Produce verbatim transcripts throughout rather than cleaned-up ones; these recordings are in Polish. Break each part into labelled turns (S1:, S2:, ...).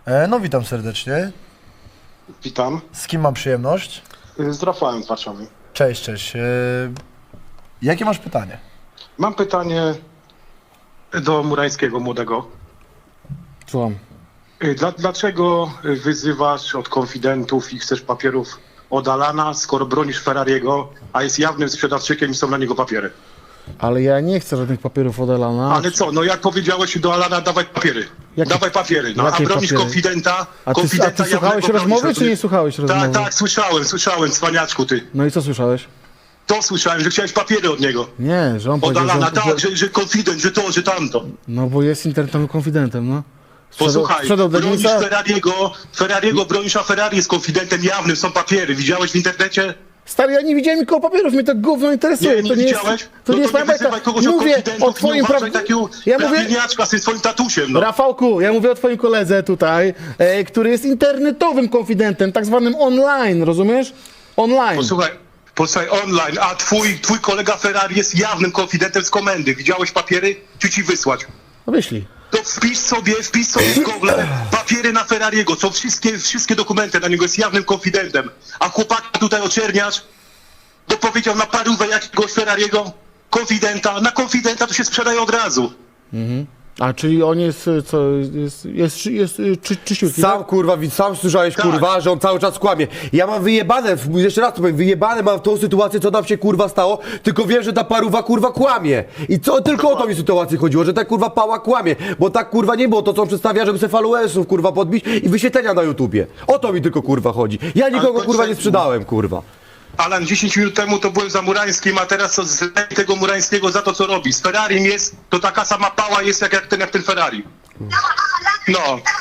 S1: E, no witam serdecznie.
S2: Witam.
S1: Z kim mam przyjemność?
S2: Z Rafałem z Warszawy.
S1: Cześć, cześć. E, jakie masz pytanie?
S2: Mam pytanie do Murańskiego młodego.
S3: Słucham.
S2: Dla, dlaczego wyzywasz od konfidentów i chcesz papierów od Alana, skoro bronisz Ferrariego, a jest jawnym sprzedawczykiem i są na niego papiery?
S3: Ale ja nie chcę żadnych papierów od Alana.
S2: Ale co, no jak powiedziałeś do Alana, dawaj papiery.
S3: Jakie-
S2: dawaj papiery, no a
S3: jakie
S2: bronisz
S3: papiery?
S2: konfidenta,
S3: A ty, a
S2: konfidenta
S3: ty słuchałeś
S2: jawnego
S3: rozmowy,
S2: bronisz,
S3: czy nie słuchałeś rozmowy?
S2: Tak, tak, słyszałem, słyszałem, cwaniaczku ty.
S3: No i co słyszałeś?
S2: To słyszałem, że chciałeś papiery od niego.
S3: Nie, że on
S2: Od
S3: powiedział,
S2: Alana,
S3: że,
S2: tak, że, że konfident, że to, że tamto.
S3: No bo jest internetowym konfidentem, no. Sprzedał,
S2: Posłuchaj,
S3: sprzedał
S2: bronisz
S3: Denisa.
S2: Ferrariego, Ferrariego bronisz, a Ferrari jest konfidentem jawnym, są papiery. Widziałeś w internecie?
S3: Stary, ja nie widziałem nikogo papierów, mnie to gówno interesuje.
S2: Nie, nie
S3: to nie
S2: widziałeś?
S3: jest, to
S2: No
S3: nie jest
S2: to
S3: moja
S2: nie
S3: bajka.
S2: wyzywaj kogoś od
S3: Mówię
S2: konfidentów,
S3: o twoim
S2: nie
S3: pra...
S2: uważaj takiego
S3: Ja mówię,
S2: prawilniaczka z tym swoim tatusiem, no.
S3: Rafałku, ja mówię o twoim koledze tutaj, e, który jest internetowym konfidentem, tak zwanym online, rozumiesz? Online.
S2: Posłuchaj, posłuchaj, online, a twój, twój kolega Ferrari jest jawnym konfidentem z komendy. Widziałeś papiery? Czy ci wysłać?
S3: No wyślij.
S2: To wpisz sobie, wpisz sobie w Google papiery na Ferrariego, są wszystkie, wszystkie dokumenty na niego, jest jawnym konfidentem. A chłopaka tutaj oczerniasz, bo powiedział na parówę jakiegoś Ferrariego, konfidenta, na konfidenta to się sprzedaje od razu.
S3: A czyli on jest, e, co, jest, jest, jest, jest czy, czyściutki,
S4: Sam
S3: tak?
S4: kurwa, wi- sam słyszałeś
S2: Tak.
S4: kurwa, że on cały czas kłamie. Ja mam wyjebane, w- jeszcze raz to powiem, wyjebane mam tą sytuację, co nam się kurwa stało, tylko wiem, że ta paruwa kurwa kłamie. I co, tylko o tą mi sytuację chodziło, że ta kurwa pała kłamie, bo tak kurwa nie było to, co on przedstawia, żeby se followersów kurwa podbić i wyświetlenia na YouTubie. O to mi tylko kurwa chodzi. Ja nikogo
S2: to
S4: kurwa
S2: dzisiaj-
S4: nie sprzedałem kurwa.
S2: Alan, dziesięć minut temu to byłem za Murańskim, a teraz co z tego Murańskiego za to, co robi. Z Ferrarim jest, to taka sama pała jest jak, jak, ten, jak ten Ferrari. No,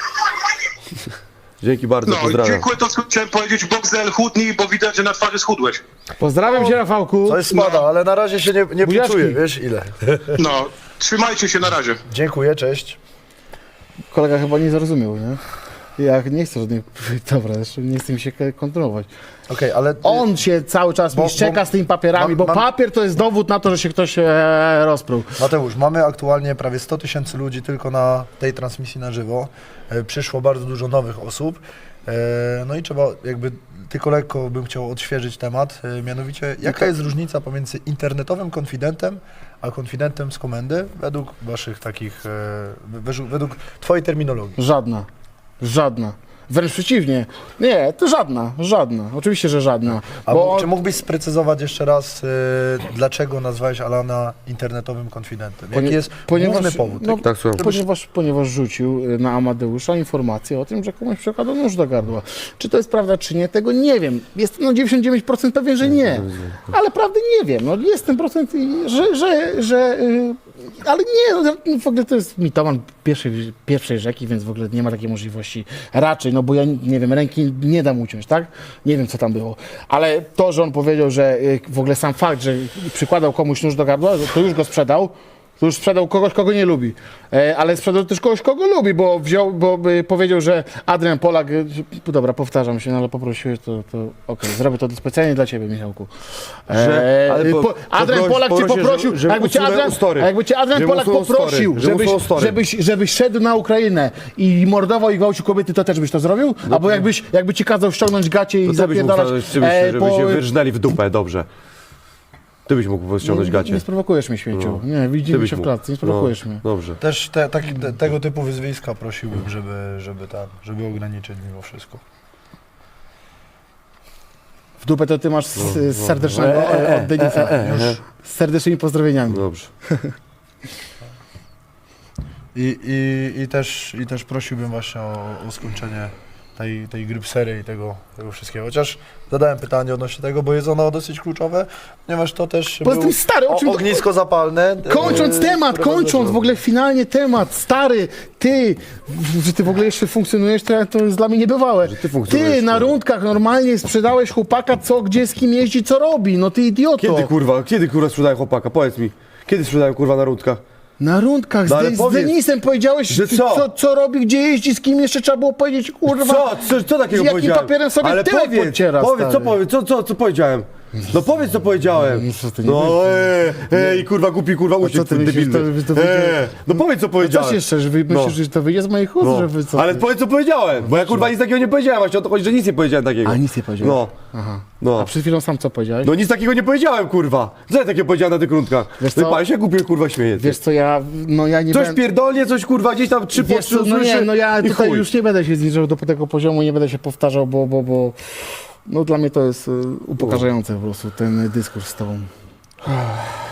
S4: Dzięki bardzo,
S2: no,
S4: pozdrawiam.
S2: dziękuję, to co chciałem powiedzieć, Boxel, chudnij, bo widać, że na twarzy schudłeś.
S3: Pozdrawiam cię, Rafałku.
S1: Coś spada, ale na razie się nie, nie
S3: Buziaczki.
S1: poczuję, wiesz ile.
S2: No, trzymajcie się, na razie.
S1: Dziękuję, cześć.
S3: Kolega chyba nie zrozumiał, nie? Ja nie chcę żadnych... Dobra, jeszcze nie chcę mi się kontynuować.
S1: Okej, ale...
S3: On się cały czas
S1: Bo-
S3: mi szczeka
S1: bo-
S3: z tymi papierami,
S1: mam-
S3: bo
S1: mam-
S3: papier to jest dowód na to, że się ktoś e, rozpruł.
S1: Mateusz, mamy aktualnie prawie sto tysięcy ludzi tylko na tej transmisji na żywo. E, przyszło bardzo dużo nowych osób. E, no i trzeba jakby, tylko lekko bym chciał odświeżyć temat. E, mianowicie, jaka jest różnica pomiędzy internetowym konfidentem, a konfidentem z komendy według waszych takich, e, według, według twojej terminologii?
S3: Żadna. Żadna. Wręcz przeciwnie. Nie, to żadna. Żadna. Oczywiście, że żadna.
S1: A
S3: Bo
S1: czy mógłbyś sprecyzować jeszcze raz, e, dlaczego nazwałeś Alana internetowym konfidentem? Jaki
S3: Ponie-
S1: jest
S3: ponieważ-
S1: główny powód?
S3: no,
S4: Tak, słucham.
S3: Ponieważ, ponieważ rzucił y, na Amadeusza informację o tym, że komuś przekładał nóż do gardła. Czy to jest prawda, czy nie, tego nie wiem. Jestem no dziewięćdziesiąt dziewięć procent pewien, że nie. Ale prawdy nie wiem. No jestem procent, i- że, że, że y, ale nie, no, w ogóle to jest mitoman pierwszej, pierwszej rzeki, więc w ogóle nie ma takiej możliwości raczej, no bo ja nie wiem, ręki nie dam uciąć, tak? Nie wiem, co tam było. Ale to, że on powiedział, że y, w ogóle sam fakt, że przykładał komuś nóż do gardła, to już go sprzedał. To już sprzedał kogoś, kogo nie lubi. E, ale sprzedał też kogoś, kogo lubi, bo wziął, bo y, powiedział, że Adrian Polak, y, dobra, powtarzam się, no ale poprosiłeś, to, to okej, zrobię to specjalnie dla ciebie, Michałku. E,
S4: Że- ale
S3: y,
S4: po-
S3: po, Adrian
S4: poproś-
S3: Polak cię
S4: poprosił,
S3: poprosił,
S4: żeby- żeby
S3: jakby cię
S4: usunął
S3: Adrian,
S4: story.
S3: a jakby cię Adrian
S4: Żeby
S3: Polak
S4: usunął story.
S3: poprosił,
S4: Żeby
S3: żebyś,
S4: usunął story.
S3: żebyś, żebyś szedł na Ukrainę i mordował i gwałcił kobiety, to też byś to zrobił? Albo jakbyś, jakby ci kazał ściągnąć gacie i
S4: To ty byś mógł
S3: zapierdalać
S4: znaleźć czymś,
S3: e,
S4: żeby
S3: po-
S4: się wyrżnęli w dupę, dobrze. Ty byś mógł ściągnąć
S3: nie,
S4: gacie.
S3: nie sprowokujesz mnie, śmieciu. Nie,
S4: Ty
S3: widzimy
S4: byś
S3: się w
S4: mógł.
S3: klatce, nie sprowokujesz
S4: No,
S3: mnie.
S4: Dobrze.
S1: Też te, taki, te, tego typu wyzwiska prosiłbym, żeby, żeby, tam, żeby ograniczyć mimo wszystko.
S3: W dupę to ty masz z, z serdecznego
S4: E, e,
S3: od Denisa.
S4: e, e, e.
S3: Już z serdecznymi pozdrowieniami.
S4: Dobrze.
S1: I, i, i, też, I też prosiłbym właśnie o, o skończenie tej, tej grypsery i tego, tego wszystkiego. Chociaż zadałem pytanie odnośnie tego, bo jest ono dosyć kluczowe, ponieważ to też
S3: Poza
S1: był
S3: tym, stary, o czym
S1: o,
S3: to-
S1: ognisko zapalne.
S3: Kończąc
S1: e,
S3: temat,
S1: które
S3: kończąc
S1: wydarzyło.
S3: w ogóle finalnie temat, stary, ty, w- że ty w ogóle jeszcze funkcjonujesz, to, to jest dla mnie niebywałe.
S4: ty funkcjonujesz,
S3: Ty na
S4: kurwa.
S3: rundkach normalnie sprzedałeś chłopaka, co, gdzie, z kim jeździ, co robi, no ty idioto.
S4: Kiedy kurwa, kiedy kurwa sprzedają chłopaka? Powiedz mi. Kiedy sprzedają kurwa na rundkach?
S3: Na rundkach z,
S4: No ale
S3: De- z
S4: powiedz,
S3: Denisem powiedziałeś,
S4: że co?
S3: co, co robi, gdzie jeździ, z kim jeszcze trzeba było powiedzieć, kurwa.
S4: Co? Co, co takiego
S3: z jakim
S4: powiedziałem?
S3: papierem sobie
S4: Ale
S3: tyłek
S4: powiedz,
S3: podciera,
S4: powiedz, co,
S3: stary.
S4: powiedz, co, co, co powiedziałem? No powiedz co powiedziałem.
S3: No co ty, nie
S4: No
S3: powiedz.
S4: ej, ej, kurwa głupi, kurwa
S3: co
S4: uciek,
S3: ty myślisz,
S4: debilny.
S3: to- to wyjdzie-
S4: Eee, no powiedz co
S3: A
S4: powiedziałem.
S3: coś jeszcze, że wy myślisz,
S4: No.
S3: że to wyjdzie z moich ust,
S4: No.
S3: że wy co?
S4: Ale powiedz co powiedziałem, bo ja kurwa nic takiego nie powiedziałem, właśnie o to chodzi, że nic nie powiedziałem takiego.
S3: A nic nie powiedziałeś?
S4: No,
S3: Aha.
S4: no.
S3: A przed chwilą sam co powiedziałeś?
S4: No nic takiego nie powiedziałem, kurwa. Co ja takiego powiedziałem na tych rundkach?
S3: Wiesz
S4: No i
S3: co?
S4: pan się głupio kurwa śmieje.
S3: Wiesz co, ja, no ja nie
S4: Coś
S3: będę...
S4: pierdolnie, coś kurwa gdzieś tam trzy po
S3: Wiesz
S4: trzy
S3: co, no nie,
S4: usłyszy
S3: no ja
S4: i
S3: tutaj
S4: chuj.
S3: już nie będę się zniżał do tego poziomu, nie będę się powtarzał, bo, bo, bo no dla mnie to jest y, upokarzające po prostu ten dyskurs z tobą.